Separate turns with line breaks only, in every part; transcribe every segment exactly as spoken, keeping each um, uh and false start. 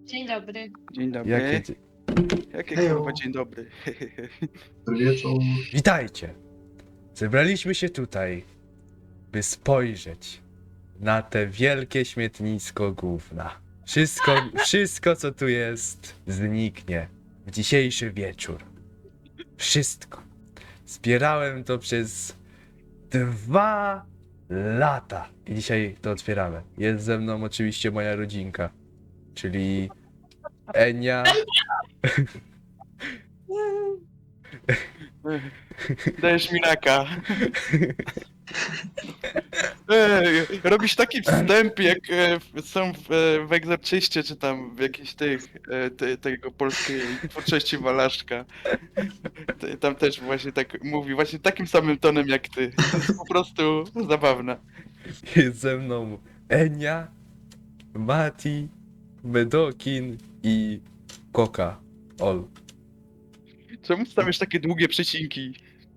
Dzień dobry.
Dzień dobry.
Jakie... dzie-
Jakie
Hejo.
kurwa dzień dobry.
Dobry wieczór.
Witajcie! Zebraliśmy się tutaj, by spojrzeć na te wielkie śmietnisko gówna. Wszystko, wszystko co tu jest, zniknie w dzisiejszy wieczór. Wszystko. Zbierałem to przez dwa lata. I dzisiaj to otwieramy. Jest ze mną oczywiście moja rodzinka, czyli Enia.
Dajesz mi raka. Ej, robisz taki wstęp, jak e, są w, e, w Egzorcyście, czy tam w jakichś tych, e, te, tego polskiej twórczości Walaszka. Te- Tam też właśnie tak mówi, właśnie takim samym tonem jak ty. To jest po prostu zabawne.
Jest ze mną Enia, Mati, Medokin i Koka. Ol.
Czemu stawiasz takie długie przecinki?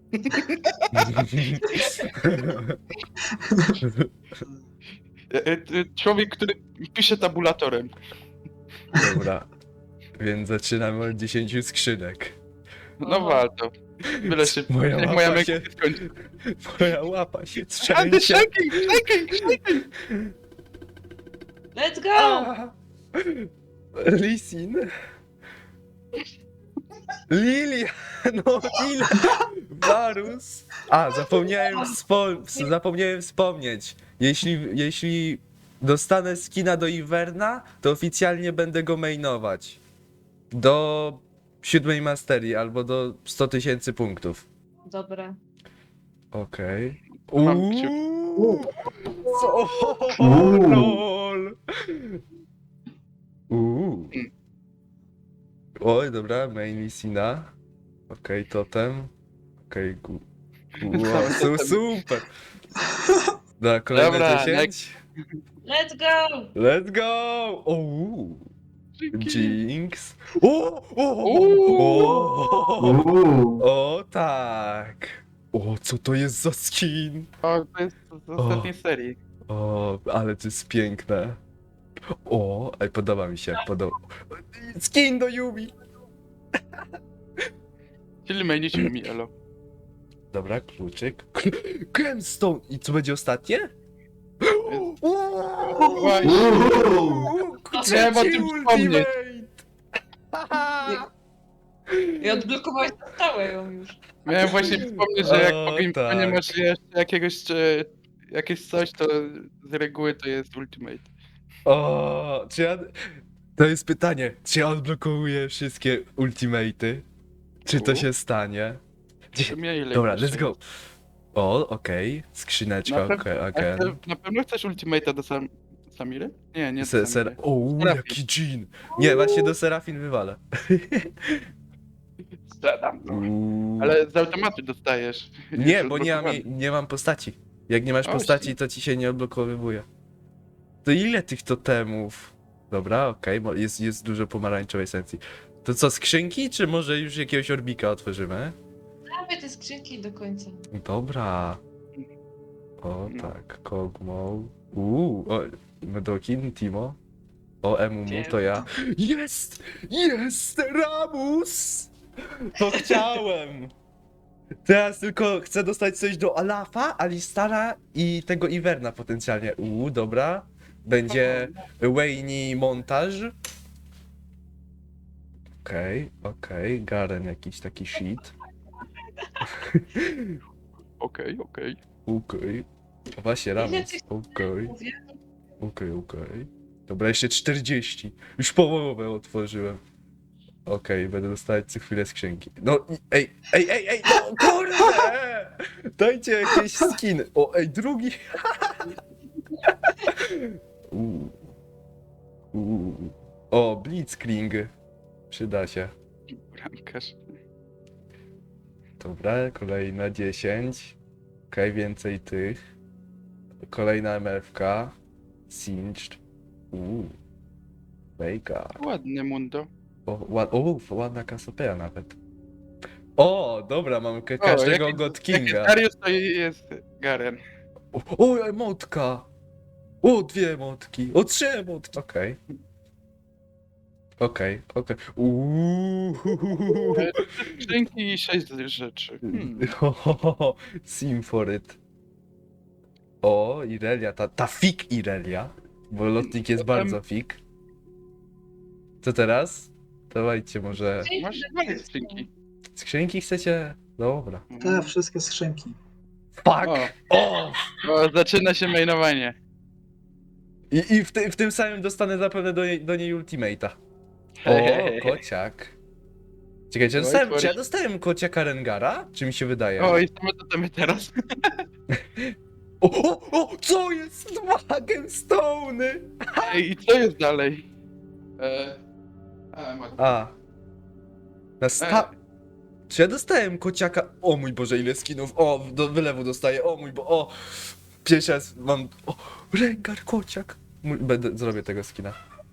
E, e, Człowiek, który pisze tabulatorem.
Dobra. Więc zaczynamy od dziesięciu skrzynek.
No warto. Byle szybko.
Moja
Jak
łapa
moja
się-
się... skończy.
Moja łapa się
Andy,
trzęsie.
shaking, shaking, shaking!
Let's go!
A! Lisin. Lilia, no ile? Varus. A, zapomniałem, wspom- zapomniałem wspomnieć. Jeśli, jeśli dostanę skina do Iverna, to oficjalnie będę go mainować. Do siódmej masterii albo do sto tysięcy punktów.
Dobra.
Okej.
Mam
Uuu. Co?
Uuu.
Lol. Uuu. Oj, dobra, main Lisina. Okej, totem. Okej, gu... gu... Wow, su super. Dobra, kolejne
Dobra,
dziesięć.
Let's go!
Let's go! Uuu. Jinx. O, o,
Uuu.
o,
Uuu.
o, tak. O, co to jest za skin?
O, to jest z ostatniej serii.
O, ale to jest piękne. O, ej, podoba mi się, podoba. Skin do Yumi.
Czyli mainicie mi, elo.
Dobra, kluczyk. Gemstone! I co będzie ostatnie?
Właśnie.
Uuu.
Miałem o
Trzeci
tym
ultimate!
I odblokowałeś na stałe ją już.
Miałem właśnie wspomnieć, że jak
O,
po Game
tak.
nie masz jeszcze jakiegoś, e, jakieś coś, to z reguły to jest ultimate.
O, czy ja... To jest pytanie, czy ja odblokowuję wszystkie ultimaty? Czy to
U.
się stanie?
To mnie ile
Dobra,
jeszcze
let's go.
jest?
O, okej. Skrzyneczka,
Na
okej,
pewno-
again.
A chcę- Na pewno chcesz ultimate'a do Sam Samiry? Nie, nie do
Se,
Samiry.
ser... O,
Serafin.
jaki dżin! Nie, właśnie do Serafin wywalę.
Zadam, no.
Uuu.
Ale z automatu dostajesz.
Nie,
Jest
bo nie mam,
odblokowany.
nie mam postaci. Jak nie masz
O,
postaci,
shit.
to ci się nie odblokowywuje. To ile tych totemów? Dobra, okej, bo jest, jest dużo pomarańczowej esencji. To co, skrzynki, czy może już jakiegoś orbika otworzymy?
Prawie te skrzynki do końca.
Dobra. O
No.
tak, Kogmo. Uuu, o, Medokin, Timo. O, Emumu, to ja. Jest! Jest! Ramus! To chciałem! Teraz tylko chcę dostać coś do Alafa, Alistara i tego Iverna potencjalnie. Uuu, dobra. Będzie Wayne montaż. Okej, okej. Garen jakiś taki shit.
Okej, okej.
Okej. A właśnie,
Ile
Ramus.
tych-
Okej,
Mówię,
okej, okej. Dobra, jeszcze czterdzieści. Już połowę otworzyłem. Okej, będę dostawać co chwilę skrzynki. No, i- ej, ej, ej, ej, no kurde! Dajcie jakieś skiny. O, ej, drugi. Uuu. Uuu. O, Blitzkrieg. Przyda się.
Bramkarz.
Dobra, kolejna dziesięć. Okej, więcej tych. Kolejna M F K. Singed. Uuu. Mega.
Ładne mundo.
O, ład, o, ładna kasopea nawet. O, dobra, mam ka- każdego
jaki-
God
Jaki
Kinga.
Darius to jest Garen.
O, o, emotka! O, dwie emotki. O, trzy emotki. Okej. Okej, okej. Uuu.
Skrzynki i sześć rzeczy. Hmm.
Sim for it. O, Irelia, ta, ta fik Irelia. Bo lotnik jest
Potem-
bardzo fik. Co teraz? Dawajcie może...
Masz dwa skrzynki.
Skrzynki chcecie? Dobra.
Te wszystkie skrzynki.
Fuck!
O,
O!
o, zaczyna się mainowanie.
I, i w, ty, w tym samym dostanę zapewne do, niej- do niej ultimate'a. O, kociak. Czekaj, czy,
Oj,
dostałem,
tworzy-
czy ja dostałem kociaka Rengara? Czy mi się wydaje?
O, i same to temy teraz.
O, o, o, co jest? Dwa gemstone'y!
Ej, i co jest dalej? E... A, ma...
A. Na sta... Czy ja dostałem kociaka? O mój Boże, ile skinów. O, do wylewu dostaję. O mój Bo... O! Pierwszy raz mam... O, Rengar, kociak. Mój... Będę... Zrobię tego skina.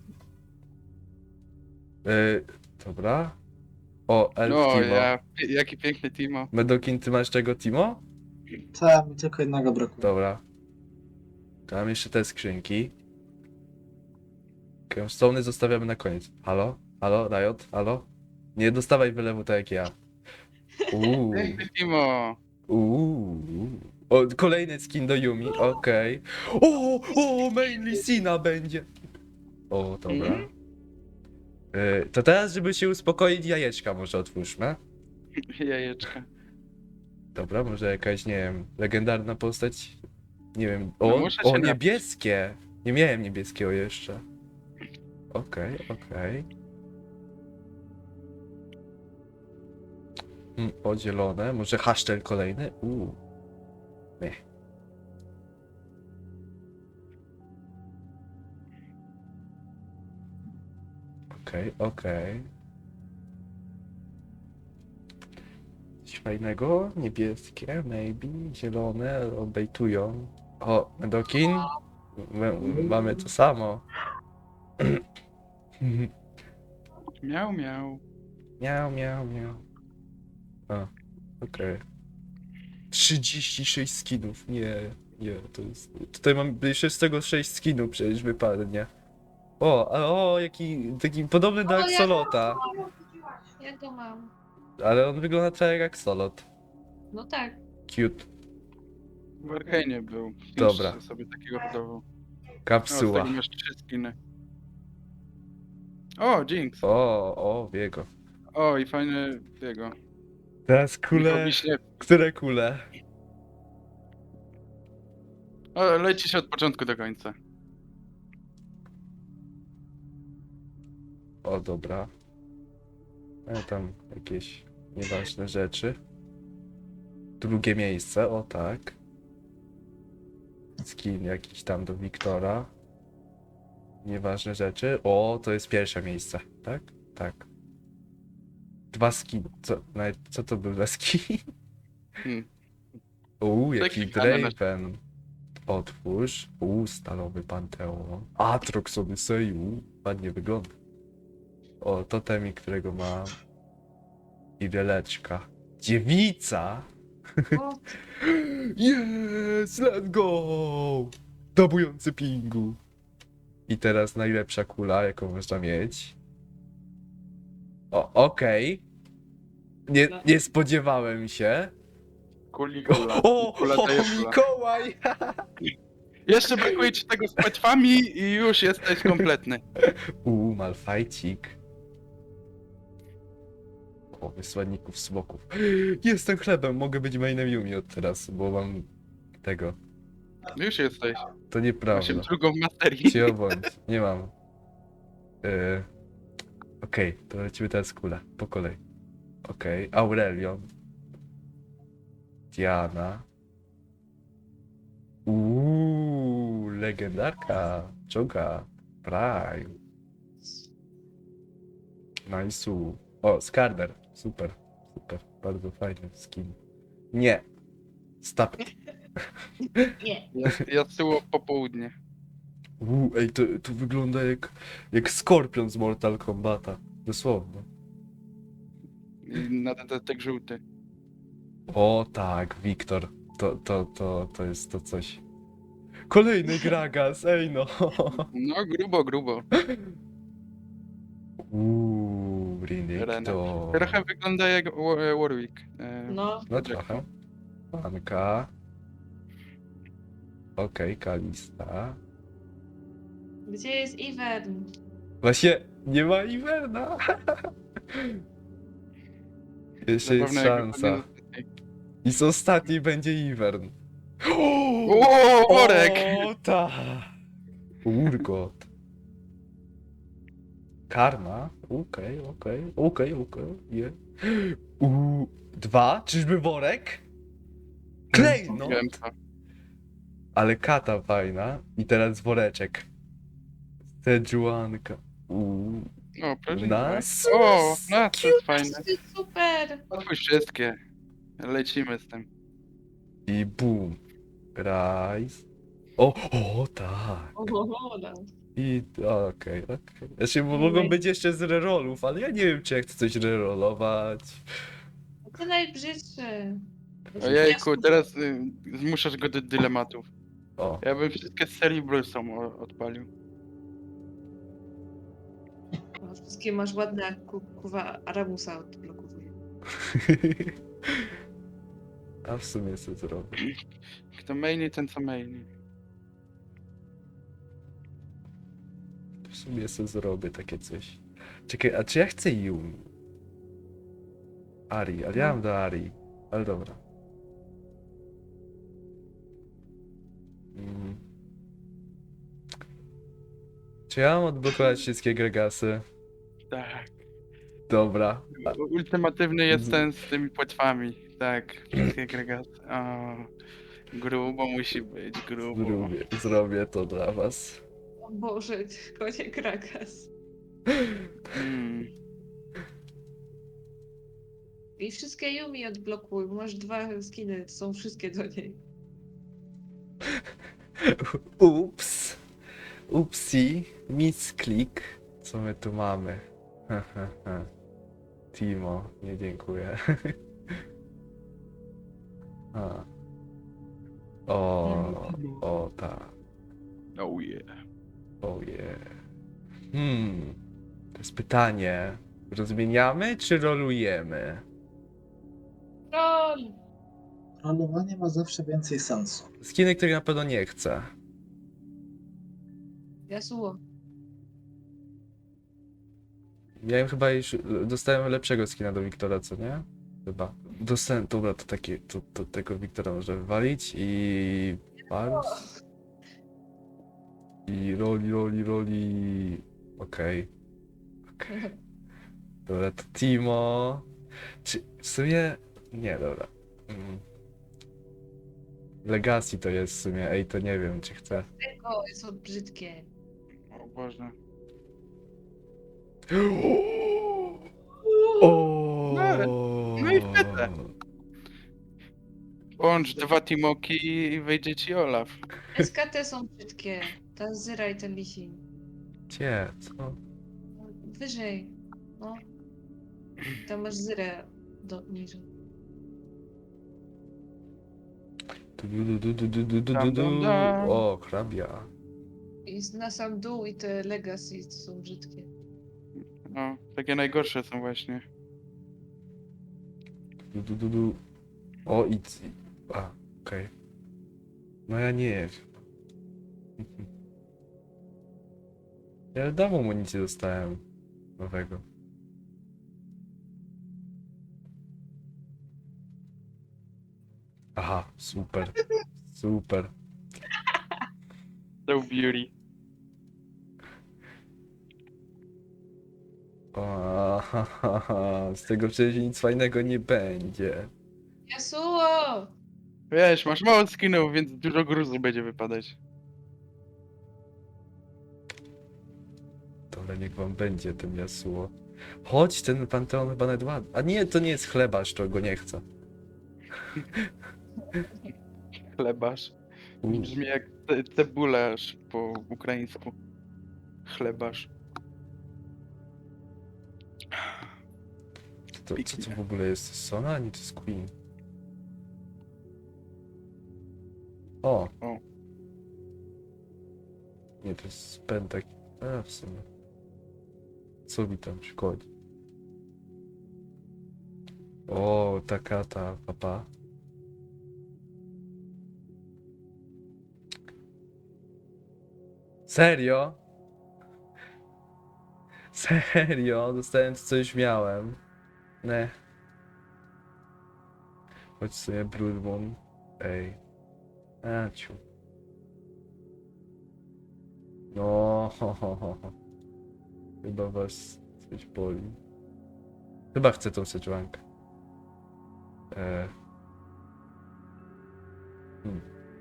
Yy, dobra. O, Elf
No,
Timo.
ja, jaki piękny Timo.
Medokin, ty masz czego, Timo?
Te, mi tylko jednego brakuje.
Dobra. Tam jeszcze te skrzynki. Gemstone'y zostawiamy na koniec. Halo? Halo, Riot? Halo? Nie dostawaj wylewu tak jak ja. Uuu.
Piękny Timo.
Uuu. O, kolejny skin do Yumi, okej. O, o, mainly Sina będzie. O, dobra.
Mhm.
Y, to teraz, żeby się uspokoić, jajeczka może otwórzmy.
Jajeczka.
Dobra, może jakaś, nie wiem, legendarna postać. Nie wiem.
No
O,
muszę się
o
napić.
niebieskie. Nie miałem niebieskiego jeszcze. Okej, okej. Mm, o, zielone. Może hasztel kolejny? Uuu. Nie. Okej, okej. Coś fajnego? Niebieskie, maybe. Zielone, obejtują. O, Medokin? M- mamy to samo.
Miał, miał.
Miał, miał, miał. A, okej. trzydzieści sześć skinów. Nie, nie, to jest... Tutaj mam jeszcze z tego sześć skinów przecież wypadnie. O, a o, jaki, taki podobny do
O, ja-
Axolota.
Ja go mam.
Ale on wygląda trochę jak Axolot.
No tak.
Cute.
W Arkanie był.
Dobra.
Już sobie takiego hodował. O, z
Kapsuła.
tego masz trzy skiny. O, Jinx.
O, o, Wiego.
O, i fajny jego.
Teraz
Michał
kule.
Wiśniewski.
Które kule?
O, lecisz od początku do końca.
O, dobra. E, tam jakieś nieważne rzeczy. Drugie miejsce, o tak. Skin jakiś tam do Wiktora. Nieważne rzeczy. O, to jest pierwsze miejsce, tak? Tak. Dwa skin. Co, nawet, co to był za skin?
Hmm.
Uuu,
Taki
jaki
dane na-
Draven. Otwórz. Uuu, stalowy Panteon. Atrox Odyssey. Uuu, ładnie wygląda. O, totemik, którego mam. I releczka. Dziewica!
O,
Yes, let's go! Dabujący pingu. I teraz najlepsza kula, jaką można mieć. O, okej. Nie, nie spodziewałem się.
Kuli kula.
O,
Kula
o
daje kula.
Mikołaj!
Jeszcze brakuje ci tego z płetwami i już jesteś kompletny.
Uuu, Malfajcik. O, wysłanników smoków. Jestem chlebem, mogę być mainem Yumi od teraz, bo mam tego.
Już jesteś.
To nieprawda.
Osiem drugą w materii.
Cię bądź, nie mam. Yy... Okej, to lecimy teraz kule, po kolei. Okej, Aurelion. Diana. Uuu, legendarka. Czoga. Prime. Nice. O, Skarner. Super, super. Bardzo fajny skin. Nie. Stop.
nie.
Ja, ja z tyłu po południe.
Uuu, ej, to, to wygląda jak, jak Skorpion z Mortal Kombata. Dosłownie.
I na ten tak żółty.
O tak, Wiktor. To, to, to, to jest to coś. Kolejny Gragas, ej no.
No grubo, grubo.
Uuu,
Rena.
Renekton.
Trochę wygląda jak Wa- Warwick. E,
No,
No trochę. Panka. Okej, Kalista.
gdzie jest Ivern?
Właśnie nie ma Iwerna. Jeszcze jest
Zapewne jak
szansa.
wypadnie-
I z ostatniej będzie Ivern.
O, worek!
O, tak. Urgot. Karma? Okej, okej, okej, okej. je. U, Dwa? Czyżby worek? Klejnot!
Wiem co.
Ale kata fajna. I teraz woreczek. Sejuanka. Uuu.
O, proszę.
Nas.
O, no to jest fajne.
Super!
Otwórz wszystkie. Lecimy z tym.
I boom. Rise. O, o, tak.
Oho, no.
I okej, okej. Znaczy, bo mogą być jeszcze z rerolów, ale ja nie wiem, czy ja chcę coś rerolować.
To najbrzydsze.
Ojejku, teraz y, zmuszasz go do dylematów.
O.
Ja bym wszystkie z serii Brulsą o- odpalił.
No, wszystkie masz ładne, jak ku- kuwa Aramusa odblokowuje.
A w sumie co zrobię?
Kto maili, ten co maili.
W sumie co zrobię takie coś. Czekaj, a czy ja chcę Yumi? Ari, ale ja mam do Ari. Ale dobra. Mm. Czy ja mam odblokować wszystkie Gregasy?
Tak.
Dobra. A,
Ultimatywny jest
Z-
ten z tymi płetwami. Tak, wszystkie agregaty. O, grubo musi być, grubo.
zrobię, zrobię to dla was.
O Boże, konie Krakas.
Mm.
I wszystkie Yumi odblokuj, bo masz dwa skiny, to są wszystkie do niej.
Ups. Upsi. Misklik. Co my tu mamy? Timo, nie dziękuję. A. O, o tak.
Oh yeah.
Oh yeah. Hmm. To jest pytanie. Rozmieniamy czy rolujemy?
Rol!
Rolowanie ma zawsze więcej sensu.
Skiny, których na pewno nie chcę.
Yasuo.
Ja im chyba już dostałem lepszego skina do Wiktora, co nie? Chyba. Dostałem, dobra, to takie, to, to tego Wiktora można wywalić i... Pars. I roli, roli, roli... Okej. Okej. Dobra, to Timo... Czy w sumie... Nie, dobra. Mm. Legacy to jest w sumie, ej, to nie wiem, czy chcę.
Tego są brzydkie.
O Boże.
O!
No i wtedy. Połącz dwa Timoki i wyjdzie ci Olaf.
S K T są brzydkie. Ta Zyra i ten Lisin.
Gdzie? Co?
Wyżej. No. Tam masz Zyrę do niżej.
Du, du, du, du, du, du, du,
Dam,
du,
dam,
du.
dam.
O, hrabia.
I na sam dół i te Legacy są brzydkie.
No, takie najgorsze są właśnie.
Du, du, du, du. O, i... c- A, okej. No ja nie wiem. Ja dawno amunicję dostałem. Nowego. Aha, super. Super.
So beauty.
O, ha, ha, ha. Z tego przecież nic fajnego nie będzie.
Yasuo!
Wiesz, masz mało skinów, więc dużo gruzu będzie wypadać.
Dobra, niech wam będzie ten Yasuo. Chodź, ten Panteon chyba nawet ładny. A nie, to nie jest chlebarz, to go nie chcę.
Chlebarz.
U,
Brzmi jak ce- cebularz po ukraińsku. Chlebarz.
to, co to w ogóle jest? Sona? A nie, to jest Queen. O!
O.
Nie, to jest Pentak. A, w sumie. Co mi tam szkodzi? O, taka ta papa. Serio? Serio? Dostałem co już miałem. Ne. Chodź sobie Blood Moon. Ej. Aciu. No, ho, ho, ho, ho. Chyba was coś boli. Chyba chcę tą seczłankę. E. Hmm.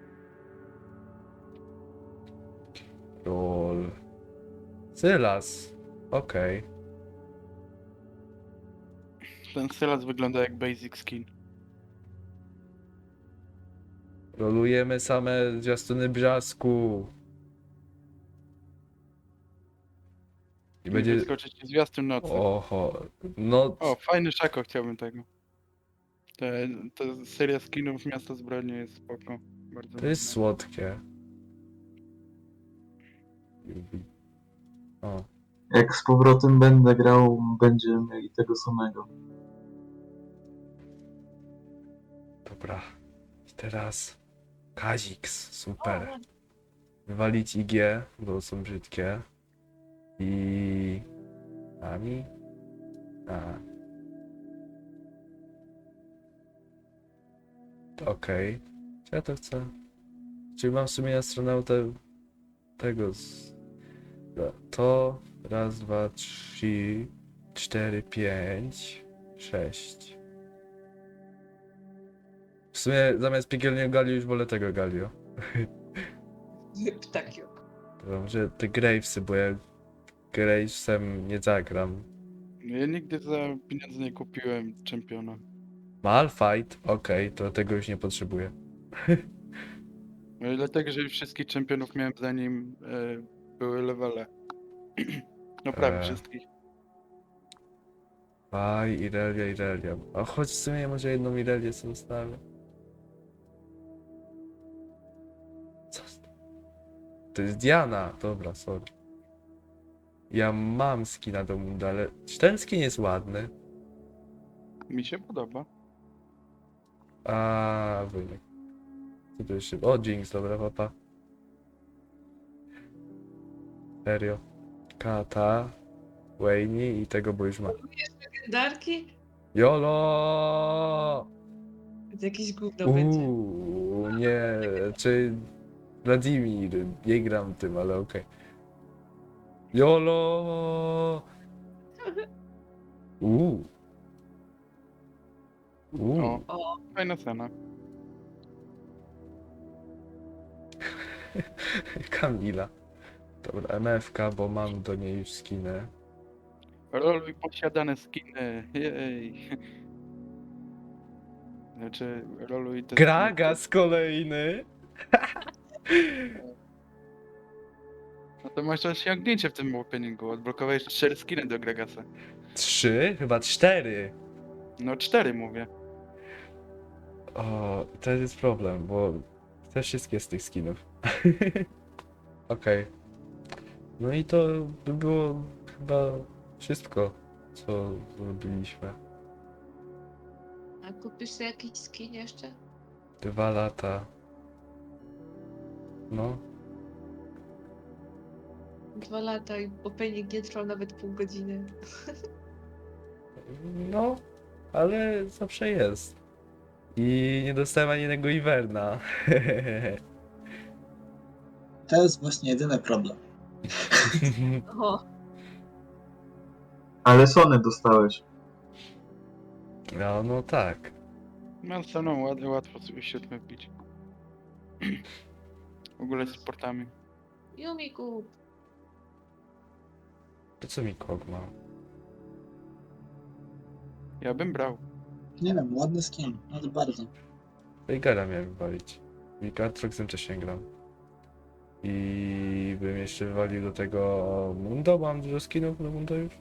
Roll. Sylas. Okej.
Ten Sylas wygląda jak basic skin.
Rolujemy same zwiastuny brzasku. I
I
będzie...
wyskoczyć ci zwiastun nocy.
Oho. No...
O, fajny szako, chciałbym tego. Te, te seria skinów Miasto Zbrodni jest spoko. Bardzo
To jest
ładna.
słodkie. Yubi. O.
Jak z powrotem będę grał, będziemy mieli tego samego.
Dobra. I teraz... Kaziks. Super. Wywalić I G, bo są brzydkie. I... Ami? A. Okej. Czy ja to chcę? Czyli mam w sumie astronautę tego z... To... Raz, dwa, trzy, cztery, pięć, sześć. W sumie zamiast piekielnego Galio już wolę tego Galio.
Ptakio.
To może te Gravesy, bo ja Gravesem nie zagram.
No ja nigdy za pieniądze nie kupiłem czempiona.
Malfight? Okej, to tego już nie potrzebuję.
No i dlatego, że wszystkich czempionów miałem zanim e, były levele. No prawie
Eee.
wszystkich.
Aj, Irelia, Irelia. A choć w sumie może jedną Irelię sobie zostawię. Co? To jest Diana. Dobra, sorry. Ja mam skina do Munda, ale czy ten skin jest ładny?
Mi się podoba.
A, wynik. Co to jeszcze? O, Jinx, dobra, papa. Serio. Kata, Wayne i tego, bo już ma.
Darki?
Jolo!
To jakieś gówno będzie.
Uuu, nie, czy Wladimir, nie gram tym, ale okej. Jolo! Uuu. Uuu.
O,
O,
fajna cena.
Kamila. Dobra, M F K, bo mam do niej już skiny.
Roluj posiadane skiny. Jej. Znaczy, roluj te
Gragas kolejny!
No to masz osiągnięcie w tym openingu. Odblokowałeś cztery skiny do Gragasa.
Trzy? Chyba cztery.
No cztery mówię.
O, to jest problem, bo chcę wszystkie z tych skinów. Okej. No i to by było chyba wszystko, co zrobiliśmy.
a kupisz sobie jakiś skin jeszcze?
Dwa lata. No.
Dwa lata i opening nie trwał nawet pół godziny.
No, ale zawsze jest. I nie dostałem ani jednego Iverna.
To jest właśnie jedyny problem.
O,
Ale Sony dostałeś.
No, no tak.
No staną ładnie, łatwo sobie siódmy wbić. W ogóle z sportami.
Yumi kup.
To co mi kog ma?
Ja bym brał.
Nie wiem, ładny skin, ale bardzo.
Veigara miałem wywalić. I Aatroxem też nie gram. I bym jeszcze wywalił do tego Mundo, mam dużo skinów do Mundo już.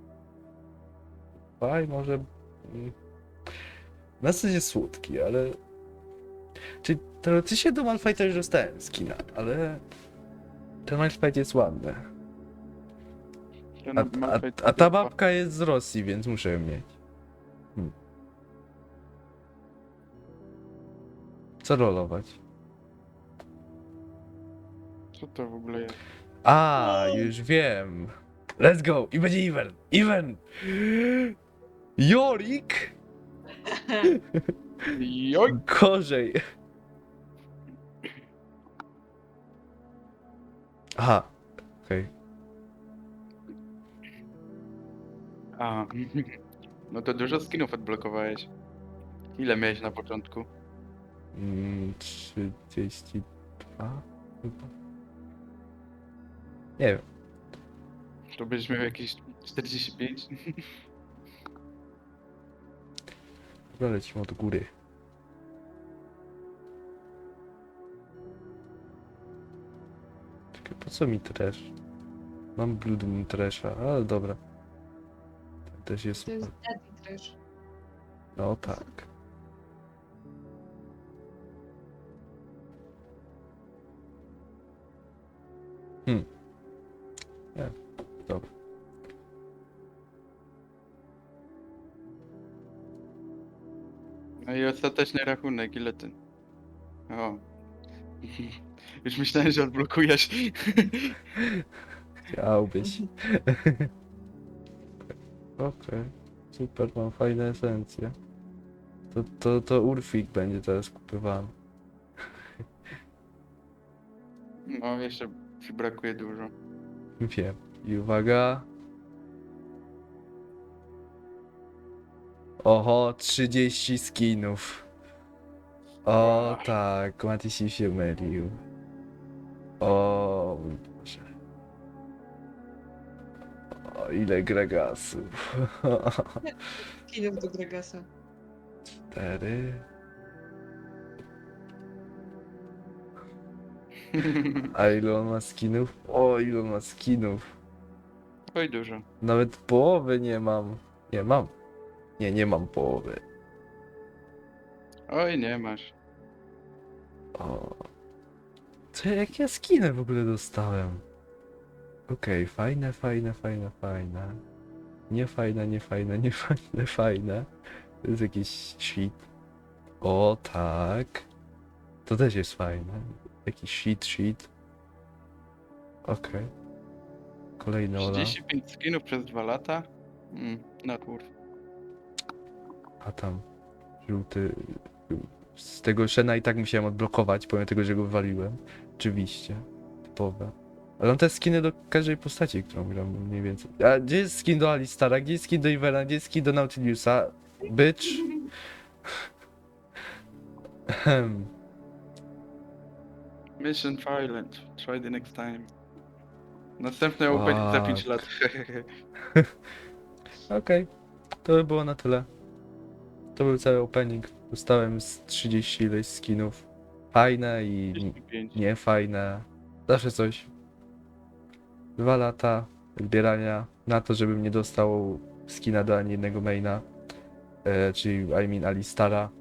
Faj, może... mm, Na zasadzie słodki, ale... Czy teoretycznie do Malfighta już dostałem skina, ale... Ten Malfight jest ładny.
Ten
A, a,
Malphite
a ta
chyba-
babka jest z Rosji, więc muszę ją mieć. Hmm. Co rolować?
Co to w ogóle jest?
A, już wiem. Let's go! I będzie Iwen! Iwen! Jorik!
Joj!
Gorzej. Aha. Okej.
A, no to dużo skinów odblokowałeś. Ile miałeś na początku?
Mm, trzydzieści dwa chyba. Nie wiem.
To będziesz miał jakieś czterdzieści pięć?
Dobra, lecimy od góry. Czekaj, po co mi trash? Mam Blood Moon Trasha, ale dobra. Ten też jest
To jest
super.
Daddy Trash.
No tak. Hmm. Nie, dobra.
No i ostateczny rachunek, ile ty? O. Już myślałem, że odblokujesz.
Chciałbyś. Okej. Super, mam fajne esencje. To, to, to Urfik będzie teraz kupywany.
No, jeszcze ci brakuje dużo.
Wiem. I uwaga. Oho, trzydzieści skinów. O
Wow.
tak, Matisi się mylił. O mój Boże. O, ile gregasów.
Skinów do Gregasa.
Cztery. A ile on ma skinów? O, ile on ma skinów.
Oj, dużo.
Nawet połowy nie mam. Nie mam. Nie, nie mam połowy.
Oj, nie masz.
O. Co, jak ja skiny w ogóle dostałem? Okej, fajne, fajne, fajne, fajne. Nie fajne, nie fajne, nie fajne, fajne. To jest jakiś shit. O, tak. To też jest fajne. Jakiś shit, shit. Okej. Kolejny Ola.
trzydzieści pięć skinów przez dwa lata? Mm, not worth.
A tam żółty. Z tego Shena i tak musiałem odblokować, pomimo tego, że go wywaliłem. Oczywiście. Typowe. Ale mam te skiny do każdej postaci, którą gram mniej więcej. A gdzie jest skin do Alistara? Gdzie jest skin do Ivana? Gdzie jest skin do Nautiliusa? Bitch. Ehem.
Mission Violent. Try the next time. Następne opening za pięć
Fuck.
lat.
Okej. To by było na tyle. To był cały opening. Dostałem z trzydzieści ileś skinów. Fajne i
trzydzieści pięć.
nie fajne. Zawsze coś. Dwa lata zbierania na to, żebym nie dostał skina do ani jednego maina. E, czyli I mean Alistara.